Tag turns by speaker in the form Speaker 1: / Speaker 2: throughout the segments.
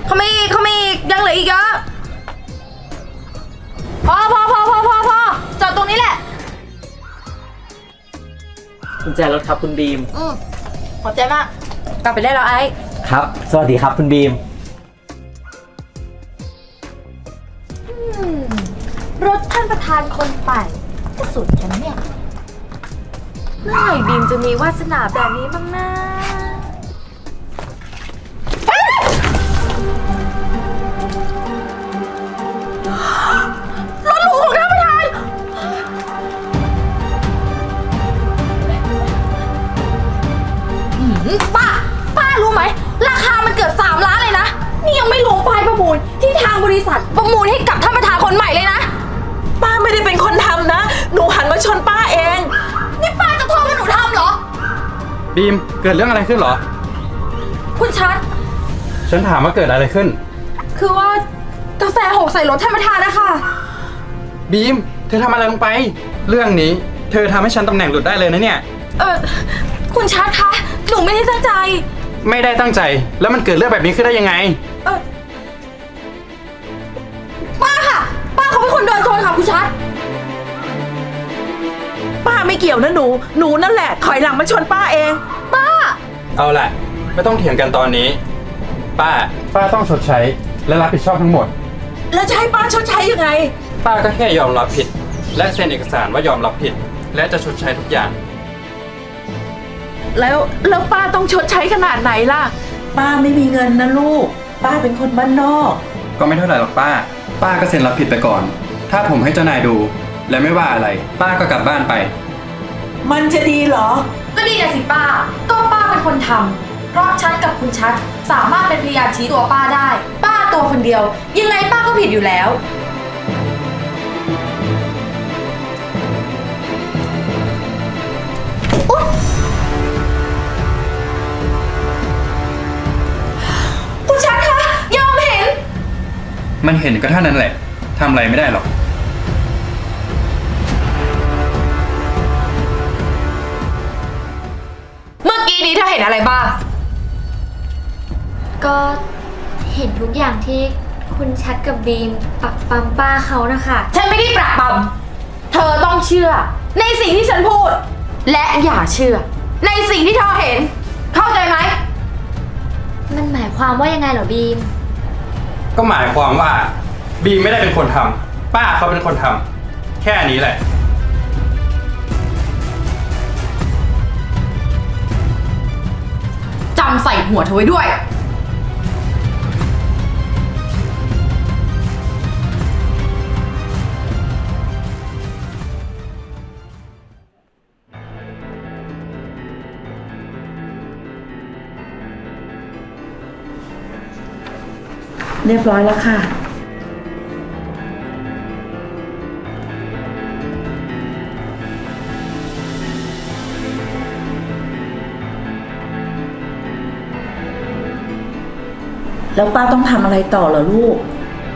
Speaker 1: เขาไม่อีกยังเหลืออีกเยอะพอจอดตรงนี้แหละ
Speaker 2: กุญแจรถครับคุณบีม
Speaker 1: ขอบใจมากกลับไปได้แล้วไอ้
Speaker 2: ครับ สวัสดีครับคุณบีม
Speaker 1: รถท่านประธานคนใหม่ก็สุดกันเนี่ยเมื่อไหร่บีมจะมีวาสนาแบบนี้บ้างนะรถหรูของท่านประธานป้ารู้ไหมราคามันเกือบ3 ล้านเลยนะนี่ยังไม่รวมไฟล์ประมูลที่ทางบริษัทประมูลให้กับท่านประธานคนใหม่เลยนะ
Speaker 3: ป้าไม่ได้เป็นคนทำนะหนูหันมาชนป้าเอง
Speaker 1: นี่ป้าจะโทษว่าหนูทำเหรอ
Speaker 4: บีมเกิดเรื่องอะไรขึ้นเหรอ
Speaker 1: คุณชัด
Speaker 4: ฉันถามว่าเกิดอะไรขึ้น
Speaker 1: คือว่ากาแฟหกใส่รถท่านประธานนะคะ
Speaker 4: บีมเธอทำอะไรลงไปเรื่องนี้เธอทำให้ฉันตำแหน่งหลุดได้เลยนะเนี่ย
Speaker 1: คุณชัดคะหนูไม่ได้ตั้งใจ
Speaker 4: ไม่ได้ตั้งใจแล้วมันเกิดเรื่องแบบนี้ขึ้นได้ยังไง
Speaker 1: ป้าค่ะป้าเขาเป็นคนโดนชนค่ะคุณชัด
Speaker 3: ป้าไม่เกี่ยวนะหนูนั่นแหละถอยหลังมาชนป้าเอง
Speaker 1: ป้า
Speaker 4: เอาล่ะไม่ต้องเถียงกันตอนนี้ป้าต้องชดใช้และรับผิดชอบทั้งหมด
Speaker 3: แล้วจะให้ป้าชดใช้ยังไง
Speaker 4: ป้าก็แค่ยอมรับผิดและเซ็นเอกสารว่ายอมรับผิดและจะชดใช้ทุกอย่าง
Speaker 3: แล้วป้าต้องชดใช้ขนาดไหนล่ะป้าไม่มีเงินนะลูกป้าเป็นคนบ้านนอก
Speaker 4: ก็ไม่เท่าไหร่หรอกป้าก็เซ็นรับผิดไปก่อนถ้าผมให้เจ้านายดูและไม่ว่าอะไรป้าก็กลับบ้านไป
Speaker 3: มันจะดีเหรอ
Speaker 1: ก็ดีนะสิป้าก็ป้าเป็นคนทำเพราะชัดกับคุณชัดสามารถเป็นพยานชี้ตัวป้าได้ป้าตัวคนเดียวยังไงป้าก็ผิดอยู่แล้วคุณชัดคะยอมเห็น
Speaker 4: มันเห็นก็เท่านั้นแหละทำอะไรไม่ได้หรอก
Speaker 1: เมื่อกี้นี้เธอเห็นอะไรบ้าง
Speaker 5: ก็เห็นทุกอย่างที่คุณชัดกับบีมปักปั๊มป้าเขานะคะ
Speaker 1: ฉันไม่ได้ปรักปรำเธอต้องเชื่อในสิ่งที่ฉันพูดและอย่าเชื่อในสิ่งที่เธอเห็นเข้าใจไหม
Speaker 5: มันหมายความว่ายังไงเหรอบีม
Speaker 4: ก็หมายความว่าบีมไม่ได้เป็นคนทำป้าเขาเป็นคนทำแค่นี้แหละ
Speaker 1: จำใส่หัวเธอไว้ด้วย
Speaker 3: เรียบร้อยแล้วค่ะแล้วป้าต้องทำอะไรต่อเหรอลูก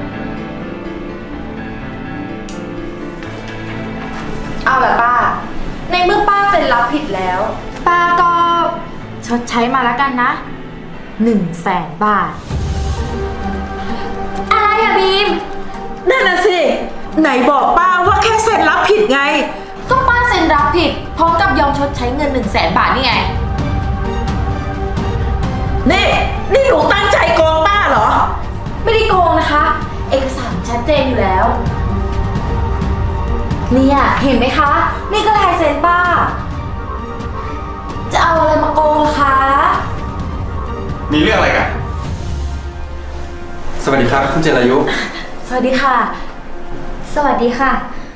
Speaker 1: เอาแบบป้าในเมื่อป้าเซ็นรับผิดแล้วป้าก็ชดใช้มาแล้วกันนะ100,000 บาท
Speaker 5: อะไรอะบีม
Speaker 3: นั่นน่ะสิไหนบอกป้าว่าแค่เซ็นรับผิดไง
Speaker 1: ก็ป้าเซ็นรับผิดพร้อมกับยอมชดใช้เงิน100,000 บาทนี่ไง
Speaker 3: นี่หนูตั้งใจโกงป้าเหรอ
Speaker 1: ไม่ได้โกงนะคะเอกสารชัดเจนอยู่แล้วเนี่ยเห็นไหมคะนี่ก็ลายเซ็นป้าจะเอาอะไรมาโกงล่ะคะ
Speaker 4: มีเรื่องอะไรกันสวัสดีครับคุณเจรายุ
Speaker 1: สวัสดีค่ะ
Speaker 5: สวัสดีค่ะ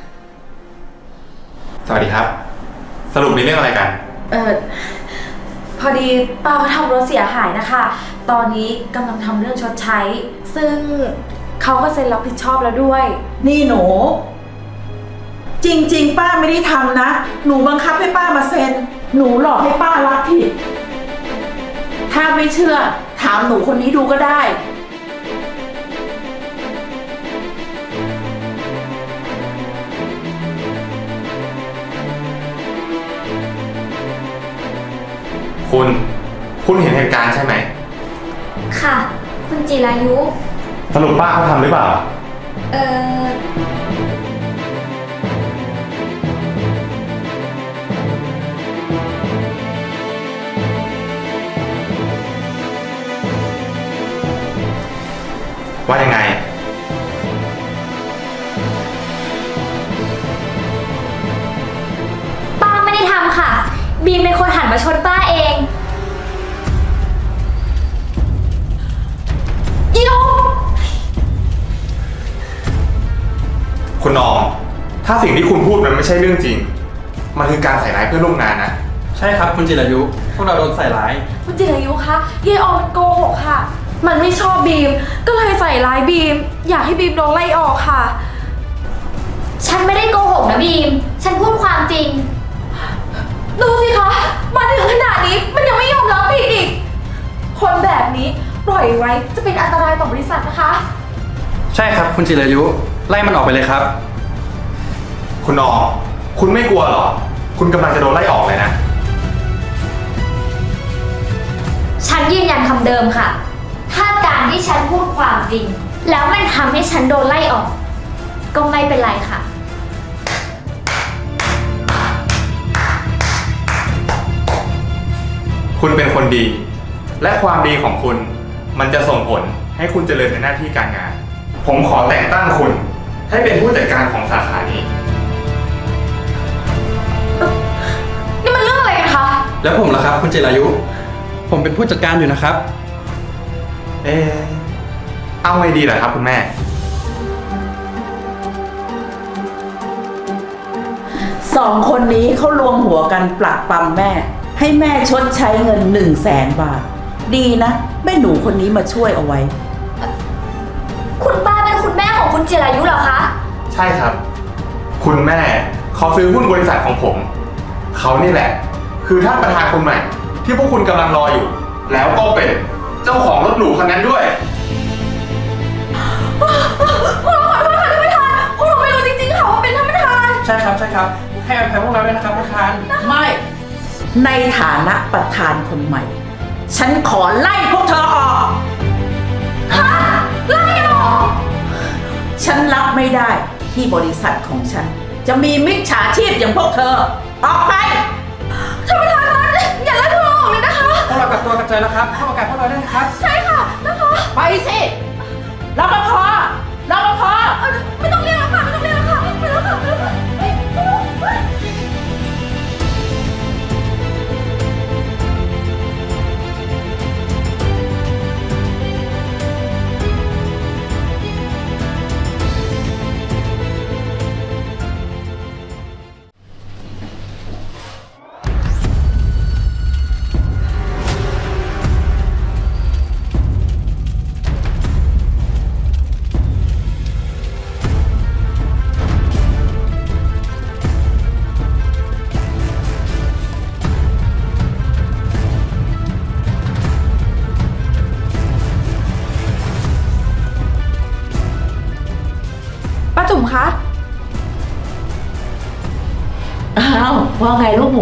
Speaker 4: สวัสดีครับสรุปมีเรื่องอะไรกัน
Speaker 1: พอดีป้าเขาทำรถเสียหายนะคะตอนนี้กำลังทำเรื่องชดใช้ซึ่งเขาก็เซ็นรับผิดชอบแล้วด้วย
Speaker 3: นี่หนูจริงๆป้าไม่ได้ทำนะหนูบังคับให้ป้ามาเซ็นหนูหลอกให้ป้ารับผิดถ้าไม่เชื่อถามหนูคนนี้ดูก็ได้
Speaker 6: คุณเห็นเหตุการณ์ใช่ไหม
Speaker 5: ค่ะคคุณจิรายุ
Speaker 6: สรุปป้าเขาทำหรือเปล่า
Speaker 5: เอ่อ
Speaker 6: ว่ายังไง
Speaker 5: ป้าไม่ได้ทำค่ะ บีมเป็นคนหันมาชนป้าเอง
Speaker 6: คุณน้อง ถ้าสิ่งที่คุณพูดมันไม่ใช่เรื่องจริง มันคือการใส่ร้ายเพื่อนร่วมงานนะ
Speaker 4: ใช่ครับคุณจิรายุ พวกเราโดนใส่ร้าย
Speaker 1: คุณจิรายุคะยายออมมันโกหกค่ะ มันไม่ชอบบีม ก็เลยใส่ร้ายบีม อยากให้บีมโดนไล่ออกค่ะ
Speaker 5: ฉันไม่ได้โกหกนะบีม ฉันพูดความจริง
Speaker 1: ดูสิคะ มาถึงขนาดนี้มันยังไม่ยอมรับผิดอีก คนแบบนี้ปล่อยไว้จะเป็นอันตรายต่อบริษัทนะคะ
Speaker 4: ใช่ครับคุณจิรายุ ไล่มันออกไปเลยครับ
Speaker 6: คุณน้อง คุณไม่กลัวหรอ คุณกำลังจะโดนไล่ออกเลยนะ
Speaker 5: ฉันยืนยันคำเดิมค่ะ ถ้าการที่ฉันพูดความจริง แล้วมันทำให้ฉันโดนไล่ออก ก็ไม่เป็นไรค่ะ
Speaker 6: คุณเป็นคนดี และความดีของคุณ มันจะส่งผลให้คุณเจริญในหน้าที่การงาน ผมขอแต่งตั้งคุณ ให้เป็นผู้จัดการของสาขานี้
Speaker 1: นี่มันเรื่องอะไรกันคะ
Speaker 4: แล้วผมล่ะครับคุณจิรายุ ผมเป็นผู้จัดการอยู่นะครับ
Speaker 6: เอาไงดีล่ะครับคุณแม่
Speaker 3: สองคนนี้เขารวมหัวกันปลักปั๊มแม่ ให้แม่ชดใช้เงิน100,000 บาท ดีนะแม่หนูคนนี้มาช่วยเอาไว้
Speaker 5: คุณป้าเป็นคุณแม่ของคุณจิรายุเหรอคะ
Speaker 6: ใช่ครับ คุณแม่เขาซื้อหุ้นบริษัทของผม เขานี่แหละ คือท่านประธานคนใหม่ ที่พวกคุณกำลังรออยู่ แล้วก็เป็นเจ้าของรถหรูคันนั้นด้วย
Speaker 1: พวกเราขอโทษค่ะท่านประธาน พวกเราไม่รู้จริงๆค่ะว่าเป็นท่านประธาน
Speaker 4: ใช่ครับใช่ครับ ให้อภัยพวกเราด้วยนะครับประธาน
Speaker 3: ไม่ ในฐานะประธานคนใหม่ ฉันขอไล่พวกเธอออก
Speaker 1: ไล่ออก
Speaker 3: ฉันรับไม่ได้ที่บริษัทของฉัน จะมีมิจฉาชีพอย่างพวกเธอ ออกไป
Speaker 1: ท่านประธานคะอย่าไล่พวกเราออกเลยนะคะ
Speaker 4: พวกเรากลับตัวกลับใจแล้วครับเข้าประกาศพวกเราได้นะครับ
Speaker 1: ใช่ค่ะนะคะ
Speaker 3: ไปสิรปภรปภ
Speaker 1: ไม่ต้องเรียกแล้วค่ะ ไม่ต้องเรียกแล้วค่ะไปแล้วค่ะไปแล้วค่ะเฮ้ยไปแล้วเฮ้ย ป้าจุ๋มคะ
Speaker 3: อ้าวว่าไงลูกหมู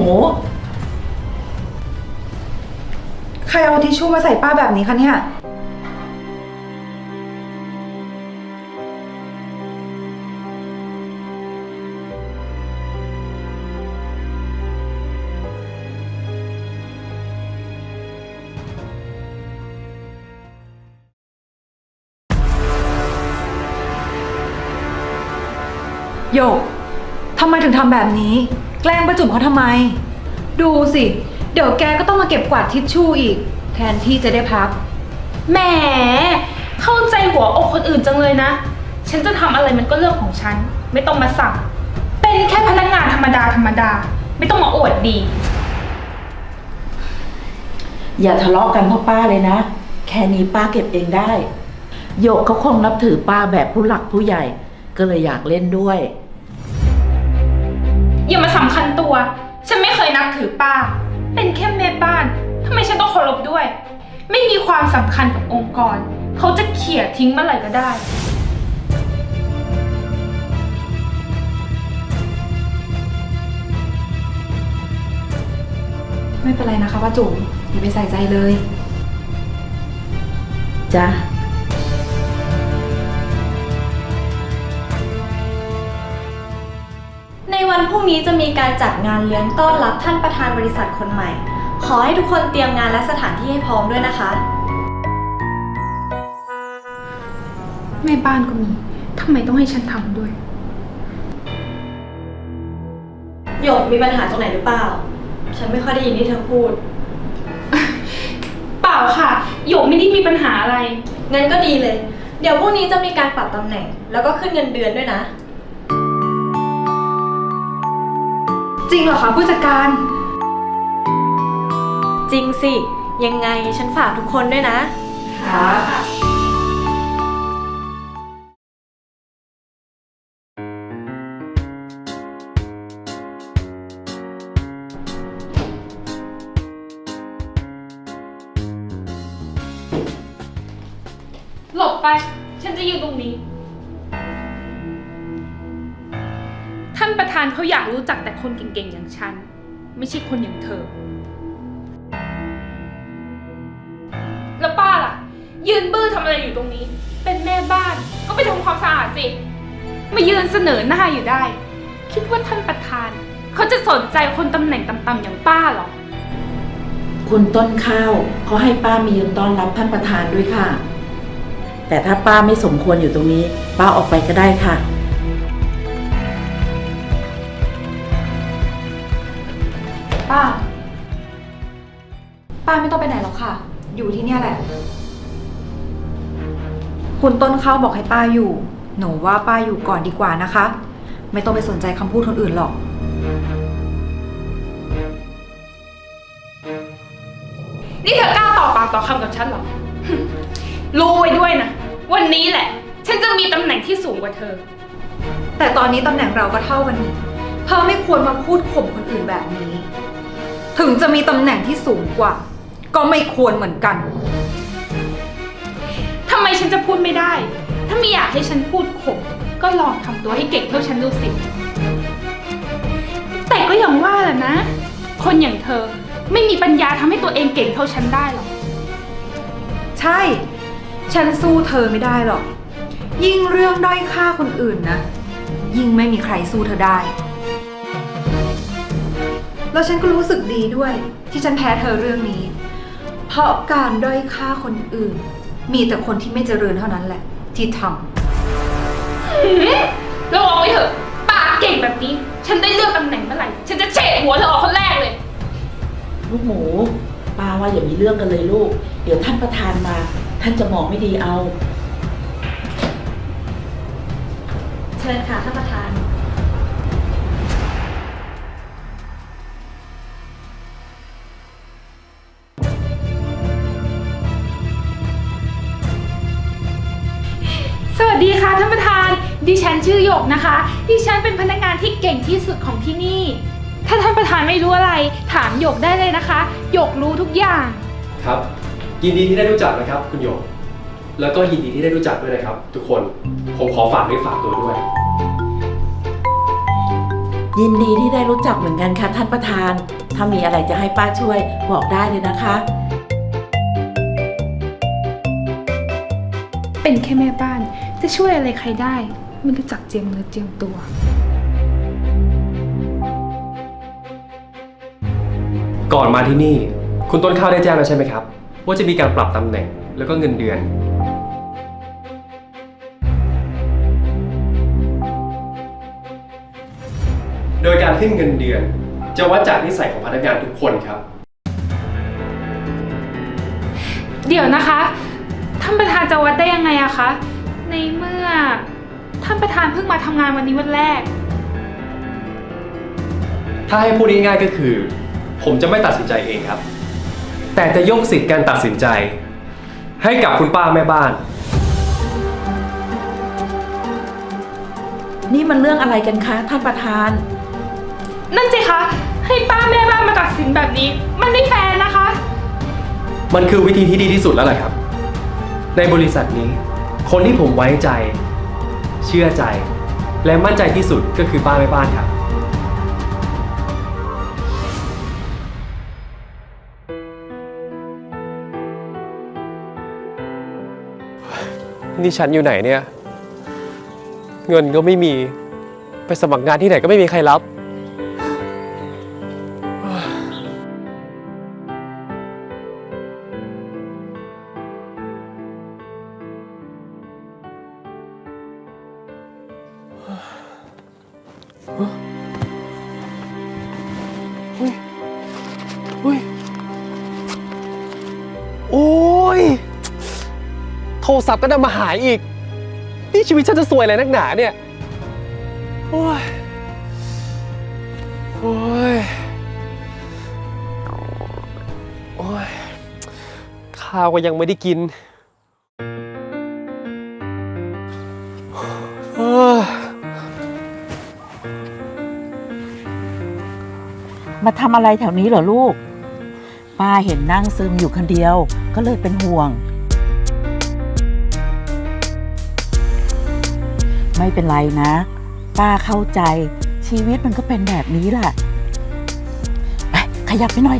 Speaker 1: ใครเอาทิชชู่มาใส่ป้าแบบนี้คะเนี่ย โยก ทำไมถึงทำแบบนี้ แกล้งป้าจุ๋มเขาทำไม ดูสิ เดี๋ยวแกก็ต้องมาเก็บกวาดทิชชู่อีก แทนที่จะได้พัก
Speaker 7: แหม เข้าใจหัวอกคนอื่นจังเลยนะ ฉันจะทำอะไรมันก็เรื่องของฉัน ไม่ต้องมาสั่ง เป็นแค่พนักงานธรรมดาธรรมดา ไม่ต้องมาอวดดี
Speaker 3: อย่าทะเลาะกันพ่อป้าเลยนะ แค่นี้ป้าเก็บเองได้ โยกเขาคงนับถือป้าแบบผู้หลักผู้ใหญ่ ก็เลยอยากเล่นด้วย
Speaker 7: อย่ามาสำคัญตัว ฉันไม่เคยนับถือป้า เป็นแค่แม่บ้าน ทำไมฉันต้องเคารพด้วย ไม่มีความสำคัญกับองค์กร เขาจะเขี่ยทิ้งเมื่อไหร่ก็ได้
Speaker 1: ไม่เป็นไรนะคะป้าจุ๋มอย่าไปใส่ใจเลย
Speaker 3: จ้ะ
Speaker 8: วันพรุ่งนี้จะมีการจัดงานเลี้ยงต้อนรับท่านประธานบริษัทคนใหม่ ขอให้ทุกคนเตรียมงานและสถานที่ให้พร้อมด้วยนะคะ
Speaker 7: แม่บ้านก็มี ทำไมต้องให้ฉันทำด้วย
Speaker 8: หยกมีปัญหาตรงไหนหรือเปล่า ฉันไม่ค่อยได้ยินที่เธอพูด
Speaker 7: เปล่าค่ะหยกไม่ได้มีปัญหาอะไร
Speaker 8: งั้นก็ดีเลย เดี๋ยวพรุ่งนี้จะมีการปรับตำแหน่ง แล้วก็ขึ้นเงินเดือนด้วยนะ
Speaker 1: จริงเหรอคะผู้จัดการ
Speaker 8: จริงสิ ยังไงฉันฝากทุกคนด้วยนะ
Speaker 1: ค่ะ
Speaker 7: หลบไป ฉันจะยืนตรงนี้ ท่านประธานเขาอยากรู้จักแต่คนเก่งๆอย่างฉัน ไม่ใช่คนอย่างเธอ แล้วป้าล่ะ ยืนบื้อทำอะไรอยู่ตรงนี้ เป็นแม่บ้านก็ไปทำความสะอาดสิ มายืนเสนอหน้าอยู่ได้ คิดว่าท่านประธาน เขาจะสนใจคนตำแหน่งต่ำๆอย่างป้าเหรอ
Speaker 3: คุณต้นข้าวเขาให้ป้ามายืนต้อนรับท่านประธานด้วยค่ะ แต่ถ้าป้าไม่สมควรอยู่ตรงนี้ ป้าออกไปก็ได้ค่ะ
Speaker 1: ป้า ป้าไม่ต้องไปไหนหรอกค่ะ อยู่ที่เนี่ยแหละ คุณต้นข้าวบอกให้ป้าอยู่ หนูว่าป้าอยู่ก่อนดีกว่านะคะ ไม่ต้องไปสนใจคำพูดคนอื่นหรอก
Speaker 7: นี่เธอกล้าต่อปากต่อคำกับฉันเหรอ รู้ไว้ด้วยนะ วันนี้แหละ ฉันจะมีตำแหน่งที่สูงกว่าเธอ
Speaker 1: แต่ตอนนี้ตำแหน่งเราก็เท่ากันนี่เธอไม่ควรมาพูดข่มคนอื่นแบบนี้ ถึงจะมีตำแหน่งที่สูงกว่า ก็ไม่ควรเหมือนกัน
Speaker 7: ทำไมฉันจะพูดไม่ได้ ถ้าไม่อยากให้ฉันพูดข่มก็ลองทำตัวให้เก่งเท่าฉันดูสิ แต่ก็อย่างว่าแหละนะ คนอย่างเธอไม่มีปัญญาทำให้ตัวเองเก่งเท่าฉันได้หรอก
Speaker 1: ใช่ ฉันสู้เธอไม่ได้หรอก ยิ่งเรื่องด้อยค่าคนอื่นนะ ยิ่งไม่มีใครสู้เธอได้ แล้วฉันก็รู้สึกดีด้วยที่ฉันแพ้เธอเรื่องนี้ เพราะการด้อยค่าคนอื่น มีแต่คนที่ไม่เจริญเท่านั้นแหละ ที่ท
Speaker 7: ระวังไว้เถอะ ปากเก่งแบบนี้ ฉันได้เลือกตำแหน่งเมื่อไหร่ ฉันจะเฉดหัวเธอออกคนแรกเลย
Speaker 3: ลูกหมูป้าว่าอย่ามีเรื่องกันเลยลูก เดี๋ยวท่านประธานมา ท่านจะมองไม่ดีเอา
Speaker 8: เชิญค่ะท่านประธาน
Speaker 7: สวัสดีค่ะท่านประธาน ดิฉันชื่อหยกนะคะ ดิฉันเป็นพนักงานที่เก่งที่สุดของที่นี่ ถ้าท่านประธานไม่รู้อะไร ถามหยกได้เลยนะคะ หยกรู้ทุกอย่าง
Speaker 9: ครับ ยินดีที่ได้รู้จักนะครับคุณหยก แล้วก็ยินดีที่ได้รู้จักด้วยนะครับ ทุกคนผมขอฝากด้วยฝากตัวด้วย
Speaker 3: ยินดีที่ได้รู้จักเหมือนกันค่ะท่านประธาน ถ้ามีอะไรจะให้ป้าช่วยบอกได้เลยนะคะ
Speaker 7: เป็นแค่แม่บ้านจะช่วยอะไรใครได้ไม่รู้จักเจียมเนื้อเจียมตัว
Speaker 9: ก่อนมาที่นี่ คุณต้นข้าวได้แจ้งแล้วใช่ไหมครับ ว่าจะมีการปรับตำแหน่งแล้วก็เงินเดือน โดยการขึ้นเงินเดือน จะวัดจากนิสัยของพนักงานทุกคนครับ
Speaker 7: เดี๋ยวนะคะ ท่านประธานจะวัดได้ยังไงอะคะ ในเมื่อท่านประธานเพิ่งมาทำงานวันนี้วันแรก
Speaker 9: ถ้าให้พูดง่ายๆก็คือ ผมจะไม่ตัดสินใจเองครับ แต่จะยกสิทธิการตัดสินใจ ให้กับคุณป้าแม่บ้าน
Speaker 3: นี่มันเรื่องอะไรกันคะท่านประธาน
Speaker 7: นั่นสิคะ ให้ป้าแม่บ้านมาตัดสินแบบนี้ มันไม่แฟร์นะคะ
Speaker 9: มันคือวิธีที่ดีที่สุดแล้วแหละครับ ในบริษัทนี้ คนที่ผมไว้ใจ เชื่อใจ และมั่นใจที่สุดก็คือป้าแม่บ้านครับ นี่ฉันอยู่ไหนเนี่ย เงินก็ไม่มี ไปสมัครงานที่ไหนก็ไม่มีใครรับรศัพท์ก็ดันมาหายอีก นี่ชีวิตฉันจะซวยอะไรนักหนาเนี่ย โอ้ย โอ้ย โอ้ย ข้าวก็ยังไม่ได้กินโอ้ย
Speaker 3: มาทำอะไรแถวนี้เหรอลูก ป้าเห็นนั่งซึมอยู่คนเดียวก็เลยเป็นห่วง ไม่เป็นไรนะ ป้าเข้าใจชีวิตมันก็เป็นแบบนี้แหละไปขยับไปหน่อย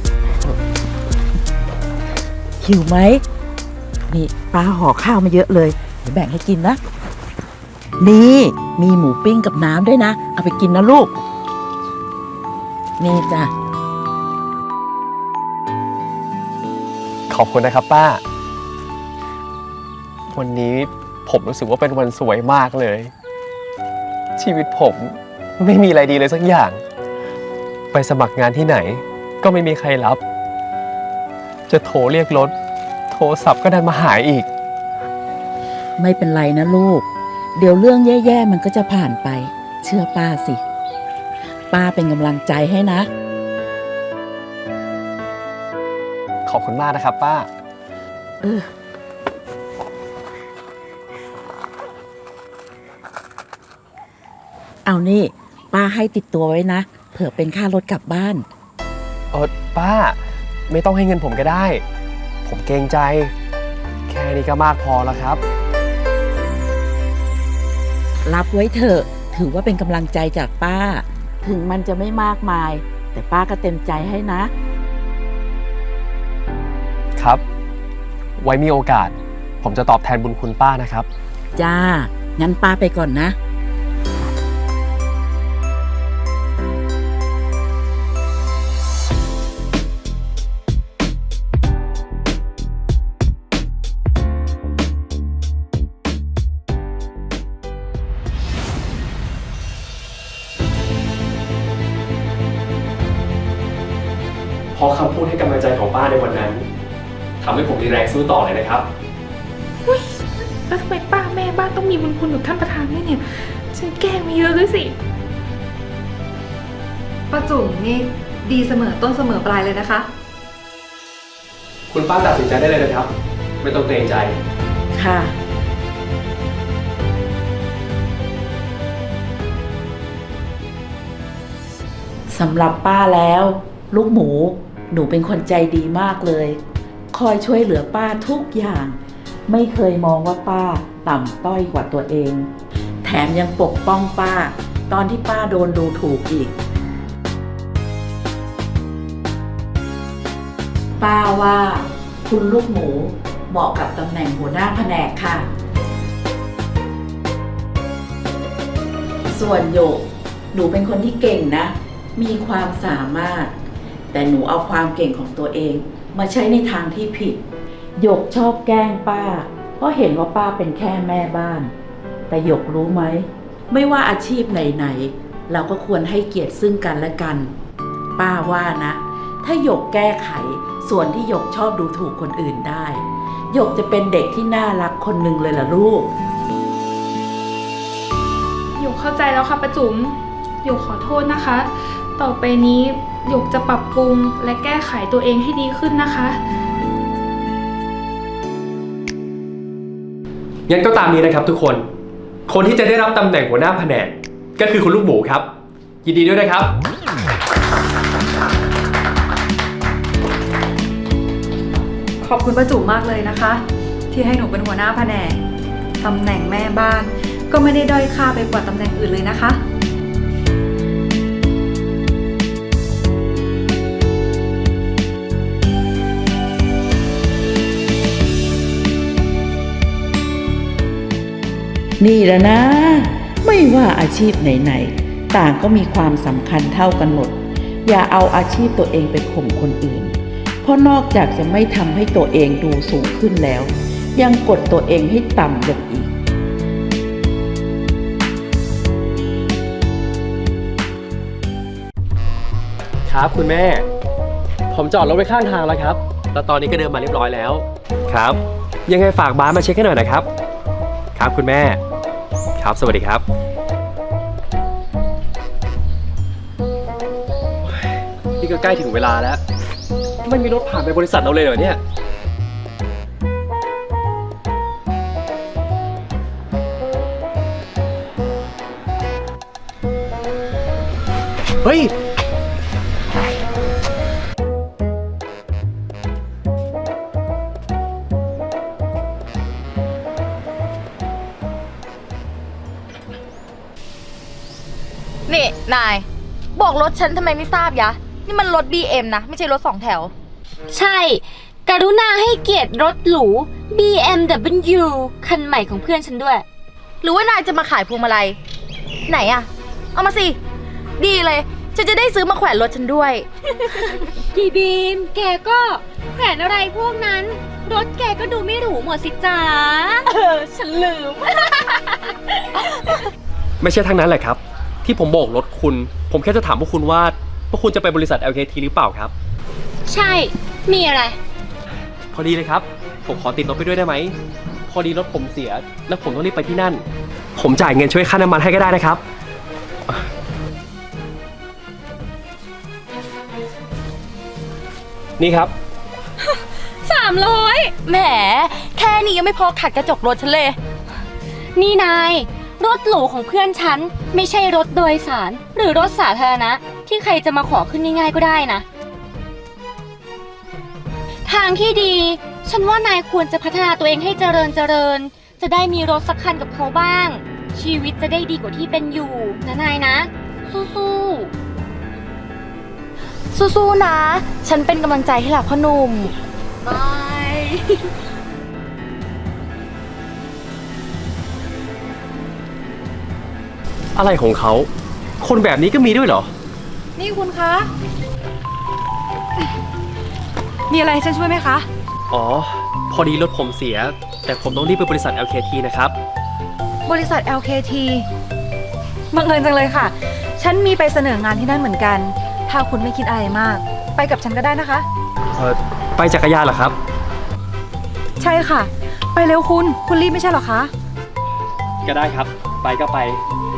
Speaker 3: หิวไหมนี่ป้าห่อข้าวมาเยอะเลยเดี๋ยวแบ่งให้กินนะ นี่มีหมูปิ้งกับน้ำด้วยนะ เอาไปกินนะลูก นี่จ้ะ
Speaker 9: ขอบคุณนะครับป้า วันนี้ผมรู้สึกว่าเป็นวันสวยมากเลย ชีวิตผมไม่มีอะไรดีเลยสักอย่าง ไปสมัครงานที่ไหนก็ไม่มีใครรับ จะโทรเรียกรถโทรศัพท์ก็ดันมาหายอีก
Speaker 3: ไม่เป็นไรนะลูก เดี๋ยวเรื่องแย่ๆมันก็จะผ่านไป เชื่อป้าสิ ป้าเป็นกำลังใจให้นะ
Speaker 9: ขอบคุณมากนะครับป้า
Speaker 3: เอานี่ ป้าให้ติดตัวไว้นะ เผื่อเป็นค่ารถกลับบ้าน
Speaker 9: ป้าไม่ต้องให้เงินผมก็ได้ ผมเกรงใจ แค่นี้ก็มากพอแล้วครับ
Speaker 3: รับไว้เถอะ ถือว่าเป็นกำลังใจจากป้า ถึงมันจะไม่มากมาย แต่ป้าก็เต็มใจให้นะ
Speaker 9: ครับ ไว้มีโอกาส ผมจะตอบแทนบุญคุณป้านะครับ
Speaker 3: จ้า งั้นป้าไปก่อนนะ
Speaker 9: เพราะคำพูดให้กำลังใจของป้าในวันนั้นทำให้ผมมีแรงสู้ต่อเลยนะครับ
Speaker 7: แล้วทำไมป้าแม่บ้านต้องมีบุญคุณกับท่านประธานด้วยเนี่ย ฉันแกล้งมาเยอะด้วยสิ
Speaker 8: ป้าจุ๋มนี่ดีเสมอต้นเสมอปลายเลยนะคะ
Speaker 9: คุณป้าตัดสินใจได้เลยนะครับ ไม่ต้องเกรงใจ
Speaker 3: ค่ะ สำหรับป้าแล้ว ลูกหมู หนูเป็นคนใจดีมากเลย คอยช่วยเหลือป้าทุกอย่าง ไม่เคยมองว่าป้าต่ำต้อยกว่าตัวเอง แถมยังปกป้องป้า ตอนที่ป้าโดนดูถูกอีก ป้าว่าคุณลูกหมูเหมาะกับตำแหน่งหัวหน้าแผนกค่ะ ส่วนโยก หนูเป็นคนที่เก่งนะ มีความสามารถ แต่หนูเอาความเก่งของตัวเองมาใช้ในทางที่ผิดหยกชอบแกล้งป้า เพราะเห็นว่าป้าเป็นแค่แม่บ้าน แต่หยกรู้ไหม ไม่ว่าอาชีพไหนๆเราก็ควรให้เกียรติซึ่งกันและกัน ป้าว่านะ ถ้าหยกแก้ไขส่วนที่หยกชอบดูถูกคนอื่นได้หยกจะเป็นเด็กที่น่ารักคนหนึ่งเลยล่ะลูก
Speaker 7: หยกเข้าใจแล้วค่ะป้าจุ๋มหยกขอโทษนะคะ ต่อไปนี้หยกจะปรับปรุงและแก้ไขตัวเองให้ดีขึ้นนะคะ
Speaker 9: งั้นก็ตามนี้นะครับทุกคน คนที่จะได้รับตำแหน่งหัวหน้าแผนกก็คือคุณลูกหมูครับ ยินดีด้วยนะครับ
Speaker 8: ขอบคุณป้าจุ๋มมากเลยนะคะ ที่ให้หนูเป็นหัวหน้าแผนกตำแหน่งแม่บ้านก็ไม่ได้ด้อยค่าไปกว่าตำแหน่งอื่นเลยนะคะ
Speaker 3: นี่แหละนะ ไม่ว่าอาชีพไหนๆต่างก็มีความสำคัญเท่ากันหมด อย่าเอาอาชีพตัวเองไปข่มคนอื่น เพราะนอกจากจะไม่ทำให้ตัวเองดูสูงขึ้นแล้ว ยังกดตัวเองให้ต่ำลงอีก
Speaker 9: ครับคุณแม่ ผมจอดรถไว้ข้างทางแล้วครับแล้วตอนนี้ก็เดินมาเรียบร้อยแล้ว ครับ ยังไงฝากบาสมาเช็คให้หน่อยนะครับ ครับคุณแม่ ครับสวัสดีครับ นี่ก็ใกล้ถึงเวลาแล้ว ไม่มีรถผ่านไปบริษัทเราเลยเหรอเนี่ย เฮ้ย
Speaker 1: นี่นาย บอกรถฉันทำไมไม่ทราบยะ นี่มันรถ BM นะ ไม่ใช่รถ2 แถว
Speaker 5: ใช่ กรุณาให้เกียรติรถหรู BMW คันใหม่ของเพื่อนฉันด้วย
Speaker 1: หรือว่านายจะมาขายพวงมาลัยไหนอะเอามาสิ ดีเลย ฉันจะได้ซื้อมาแขวนรถฉันด้วย
Speaker 5: พี่บีม แกก็แขวนอะไรพวกนั้น รถแกก็ดูไม่หรูหมดสิจ๋าฉันลืม
Speaker 9: ไม่ใช่ทั้งนั้นแหละครับ ที่ผมโบกรถคุณ ผมแค่จะถามพวกคุณว่าพวกคุณจะไปบริษัท LKT หรือเปล่าครับ
Speaker 5: ใช่ มีอะไร
Speaker 9: พอดีเลยครับ ผมขอติดรถไปด้วยได้ไหม พอดีรถผมเสีย แล้วผมต้องรีบไปที่นั่น ผมจ่ายเงินช่วยค่าน้ำมันให้ก็ได้นะครับ นี่ครับ
Speaker 5: 300
Speaker 1: แหม แค่นี้ยังไม่พอขัดกระจกรถฉันเลย
Speaker 5: นี่นาย รถหรูของเพื่อนฉัน ไม่ใช่รถโดยสาร หรือรถสาธารณะ ที่ใครจะมาขอขึ้นง่ายๆก็ได้นะ ทางที่ดี ฉันว่านายควรจะพัฒนาตัวเองให้เจริญ จะได้มีรถสักคันกับเขาบ้าง ชีวิตจะได้ดีกว่าที่เป็นอยู่นะนายนะ สู้ๆ
Speaker 1: สู้ๆนะ ฉันเป็นกำลังใจให้หล่ะพ่อหนุ่ม
Speaker 5: บาย
Speaker 9: อะไรของเขา คนแบบนี้ก็มีด้วยเหรอ
Speaker 8: นี่คุณคะ มีอะไรให้ฉันช่วยไหมคะ
Speaker 9: อ๋อ พอดีรถผมเสีย แต่ผมต้องรีบไปบริษัท LKT นะครับ
Speaker 8: บริษัท LKT บังเอิญจังเลยค่ะ ฉันมีไปเสนองานที่นั่นเหมือนกัน ถ้าคุณไม่คิดอะไรมาก ไปกับฉันก็ได้นะคะ
Speaker 9: ไปจักรยานเหรอครับ
Speaker 8: ใช่ค่ะ ไปเร็วคุณรีบไม่ใช่เหรอคะ
Speaker 9: ก็ได้ครับ ไปก็ไป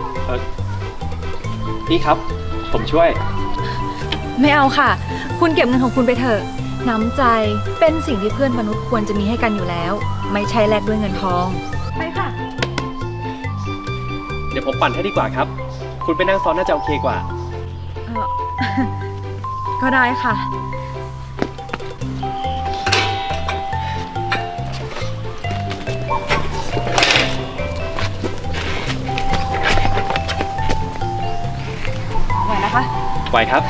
Speaker 9: นี่ครับ ผมช่วย
Speaker 8: ไม่เอาค่ะ คุณเก็บเงินของคุณไปเถอะ น้ำใจเป็นสิ่งที่เพื่อนมนุษย์ควรจะมีให้กันอยู่แล้ว ไม่ใช่แลกด้วยเงินทอง ไปค่ะ
Speaker 9: เดี๋ยวผมปั่นให้ดีกว่าครับ คุณไปนั่งซ้อนน่าจะโอเคกว่า
Speaker 8: ก็ได้ค่ะ ไหวนะคะ
Speaker 9: ไหวครับ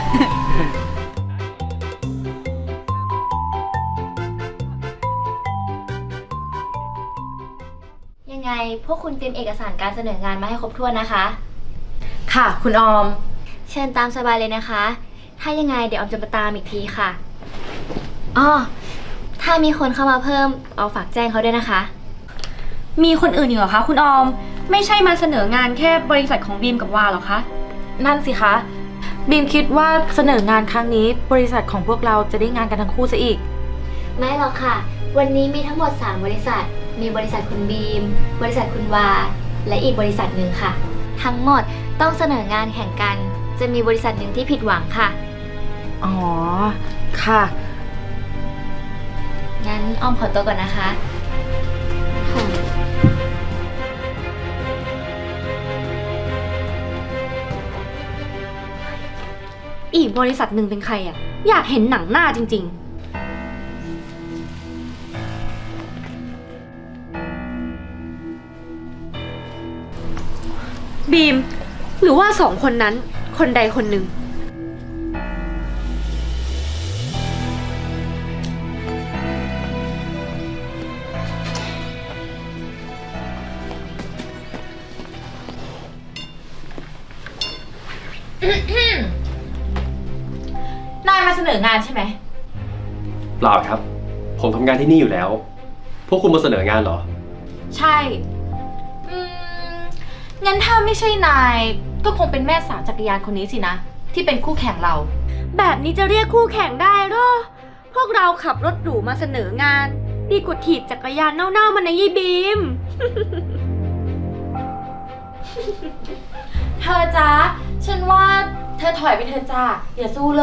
Speaker 5: ยังไงพวกคุณเตรียมเอกสารการเสนองานมาให้ครบถ้วนนะคะ
Speaker 1: ค่ะ คุณออม
Speaker 5: เชิญตามสบายเลยนะคะ ถ้ายังไงเดี๋ยวออมจะมาตามอีกทีค่ะอ้อถ้ามีคนเข้ามาเพิ่มเอาฝากแจ้งเขาด้วยนะคะ มีคนอื่นอีกเหรอคะคุณออม ไม่ใช่มาเสนองานแค่บริษัทของบีมกับวาหรอคะ
Speaker 1: นั่นสิคะ บีมคิดว่าเสนองานครั้งนี้บริษัทของพวกเราจะได้งานกันทั้งคู่ซะอีก
Speaker 5: ไม่หรอกค่ะ วันนี้มีทั้งหมด 3 บริษัท มีบริษัทคุณบีม บริษัทคุณวา และอีกบริษัทหนึ่งค่ะ ทั้งหมดต้องเสนองานแข่งกัน จะมีบริษัทหนึ่งที่ผิดหวังค่ะ
Speaker 1: อ๋อ ค่ะ
Speaker 5: งั้นอ้อมขอตัวก่อนนะคะค่ะ อีกบริษัทหนึ่งเป็นใครอ่ะ อยากเห็นหนังหน้าจริงๆ บีม หรือว่า2 คนนั้น คนใดคนหนึ่ง
Speaker 1: นายมาเสนองานใช่ไหม
Speaker 9: เปล่าครับ ผมทำงานที่นี่อยู่แล้ว พวกคุณมาเสนองานเหรอ
Speaker 1: ใช่ งั้นถ้าไม่ใช่นาย ก็คงเป็นแม่สาวจักรยานคนนี้สินะ ที่เป็นคู่แข่งเรา
Speaker 5: แบบนี้จะเรียกคู่แข่งได้หรอ พพวกเราขับรถหรูมาเสนองาน ดีกว่าถีบจักรยานเน่าๆมันนะยี่บีม
Speaker 1: เธอจ๊ะ ฉันว่าเธอถอยไปเธอจ้าอย่าสู้เลย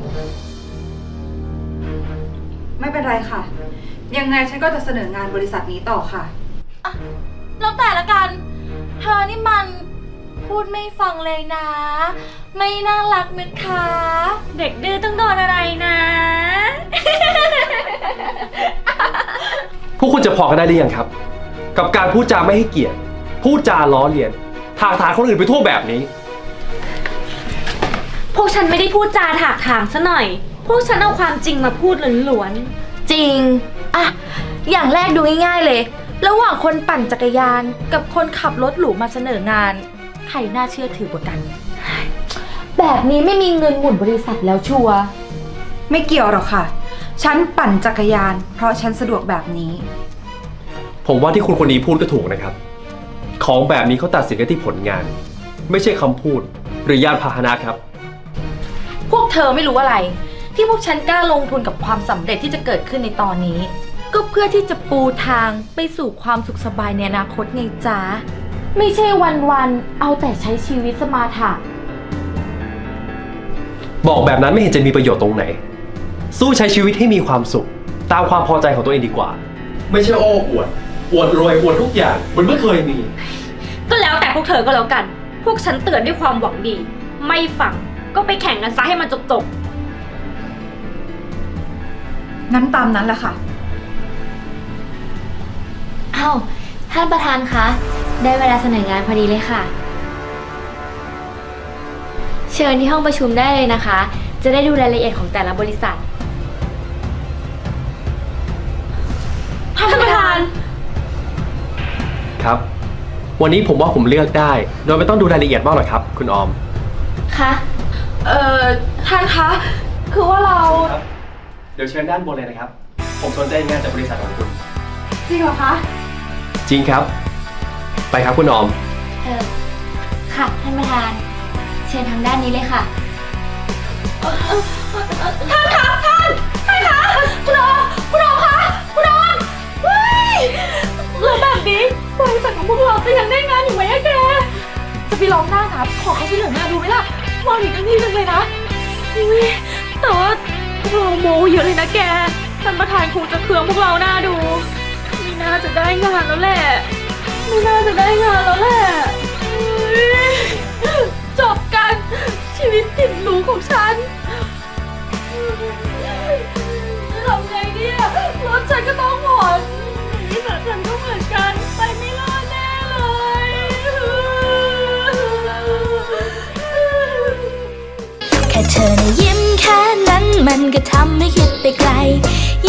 Speaker 8: ไม่เป็นไรค่ะ ยังไงฉันก็จะเสนองานบริษัทนี้ต่อค่ะ
Speaker 1: แล้วแต่ละกัน เธอนี่มันพูดไม่ฟังเลยนะ ไม่น่ารักนะคะ
Speaker 5: เด็กดื้อต้องโดนอะไรนะ
Speaker 9: พวกคุณจะพอกันได้หรือยังครับ กับการพูดจาไม่ให้เกียรติ พูดจาล้อเลียนถากถางคนอื่นไปทั่วแบบนี้
Speaker 5: พวกฉันไม่ได้พูดจาถากถางซะหน่อย พวกฉันเอาความจริงมาพูดล้วน
Speaker 1: จริง อะ อย่างแรกดูง่ายๆเลย ระหว่างคนปั่นจักรยานกับคนขับรถหรูมาเสนองาน ใครน่าเชื่อถือกว่ากัน แบบนี้ไม่มีเงินหมุนบริษัทแล้วชัวร์
Speaker 8: ไม่เกี่ยวหรอกค่ะ ฉันปั่นจักรยาน เพราะฉันสะดวกแบบนี้
Speaker 9: ผมว่าที่คุณคนนี้พูดก็ถูกนะครับ ของแบบนี้เขาตัดสินกันที่ผลงาน ไม่ใช่คำพูดหรือยานพาหนะครับ
Speaker 1: พวกเธอไม่รู้อะไร ที่พวกฉันกล้าลงทุนกับความสำเร็จที่จะเกิดขึ้นในตอนนี้ ก็เพื่อที่จะปูทางไปสู่ความสุขสบายในอนาคตไงจ๊ะ ไม่ใช่วันๆเอาแต่ใช้ชีวิตสมาถะ
Speaker 9: บอกแบบนั้นไม่เห็นจะมีประโยชน์ตรงไหน สู้ใช้ชีวิตให้มีความสุข ตามความพอใจของตัวเองดีกว่า ไม่ใช่โอ้อวด อวดรวยอวดทุกอย่างเหมือนไม่เคยมี
Speaker 5: ๆ ก็แล้วแต่พวกเธอก็แล้วกัน พวกฉันเตือนด้วยความหวังดี ไม่ฟังก็ไปแข่งกันซะให้มันจบ
Speaker 8: นั้นตามนั้นแหละค่ะ
Speaker 5: อ้าว ท่านประธานคะ ได้เวลาเสนองานพอดีเลยค่ะ เชิญที่ห้องประชุมได้เลยนะคะ จะได้ดูรายละเอียดของแต่ละบริษัท ท่านประธาน
Speaker 9: ครับ วันนี้ผมว่าผมเลือกได้ โดยไม่ต้องดูรายละเอียดมากหรอกครับ คุณออม
Speaker 5: คะ
Speaker 1: ท่านคะ คือว่าเรา
Speaker 9: ครับ เดี๋ยวเชิญด้านบนเลยนะครับ ผมสนใจงานจากบริษัทของคุณ
Speaker 8: จริงเหรอคะ
Speaker 9: จริงครับ ไปครับคุณออม
Speaker 5: ค่ะ ท่านประธาน เชิญทางด้านนี้เลยค่ะ
Speaker 1: แล้วแบบนี้บริษัทของพวกเราจะยังได้งานอยู่ไหมอะแก จะไปลองหน้าครับขอเขาช่วยเหลือหน้าดูไหมล่ะมองอีกทั้งที่นึงเลยนะอุ๊ยแต่ว่าพวกเราโมเยอะเลยนะแก ท่านประธานคงจะเคืองพวกเราหน้าดู ไม่น่าจะได้งานแล้วแหละ ไม่น่าจะได้งานแล้วแหละอุ๊ยจบกันชีวิตติดหรูของฉันทำไงเนี่ยรถฉันก็ต้องผ่อนนี่แต่ฉันก็เหมือนกันไปไม่รอดแน่เลย
Speaker 10: แค่เธอนะยิ้มแค่นั้นมันก็ทำให้คิดไปไกล